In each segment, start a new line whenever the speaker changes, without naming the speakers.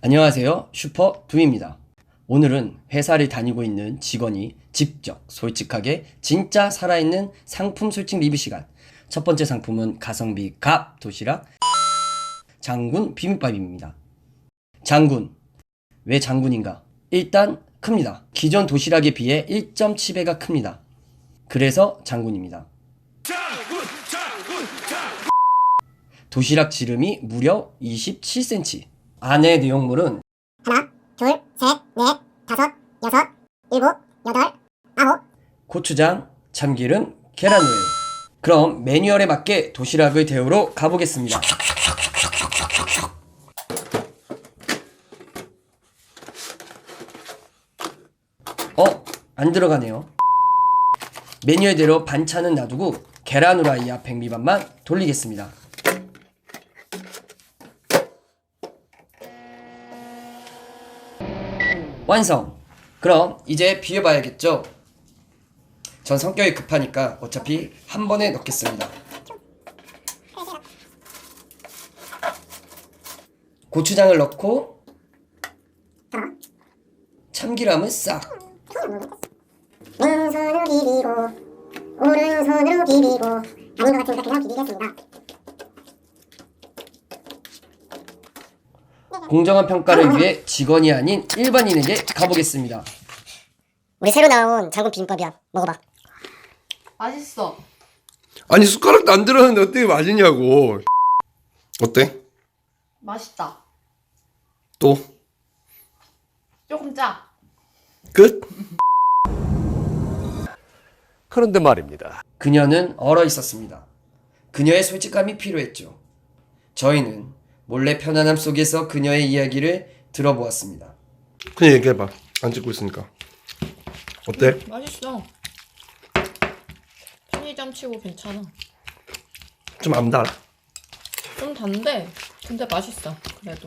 안녕하세요. 슈퍼두입니다. 오늘은 회사를 다니고 있는 직원이 직접 솔직하게 진짜 살아있는 상품 솔직 리뷰 시간. 첫 번째 상품은 가성비 갑 도시락 장군 비빔밥입니다. 장군. 왜 장군인가? 일단 큽니다. 기존 도시락에 비해 1.7배가 큽니다. 그래서 장군입니다. 도시락 지름이 무려 27cm. 안의 내용물은
하나, 둘, 셋, 넷, 다섯, 여섯, 일곱, 여덟, 아홉.
고추장, 참기름, 계란후라이. 그럼 매뉴얼에 맞게 도시락을 데우러 가보겠습니다. 안 들어가네요. 매뉴얼대로 반찬은 놔두고 계란후라이와 백미밥만 돌리겠습니다. 완성! 그럼 이제 비벼봐야겠죠? 전 성격이 급하니까 어차피 한 번에 넣겠습니다. 고추장을 넣고 참기름을 싹.
왼손으로 비비고 오른손으로 비비고 아닌 것 같으니까 그냥 비비겠습니다.
공정한 평가를 위해 직원이 아닌 일반인에게 가보겠습니다.
우리 새로 나온 장군 비빔밥이야. 먹어봐.
맛있어.
아니 숟가락도 안 들었는데 어떻게 맛있냐고. 어때?
맛있다.
또?
조금 짜.
끝?
그런데 말입니다.
그녀는 얼어 있었습니다. 그녀의 솔직함이 필요했죠. 저희는 몰래 편안함 속에서 그녀의 이야기를 들어보았습니다.
그냥 얘기해봐. 안 찍고 있으니까. 어때?
맛있어. 편의점 치고 괜찮아.
좀 안 달아?
좀 단데 근데 맛있어. 그래도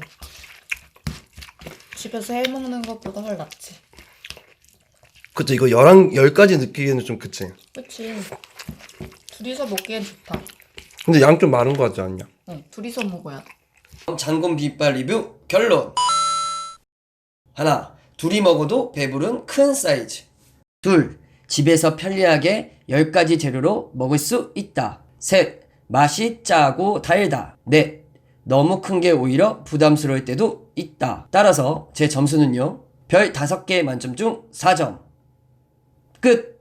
집에서 해먹는 것보다 훨 낫지.
그치, 이거 10가지 느끼기에는 좀 그치.
그치. 둘이서 먹기엔 좋다.
근데 양 좀 많은 거 같지 않냐?
응, 둘이서 먹어야 돼.
장군 비빔밥 리뷰 결론. 하나, 둘이 먹어도 배부른 큰 사이즈. 둘, 집에서 편리하게 10가지 재료로 먹을 수 있다. 셋, 맛이 짜고 달다. 넷, 너무 큰 게 오히려 부담스러울 때도 있다. 따라서 제 점수는요, 별 5개 만점 중 4점. 끝!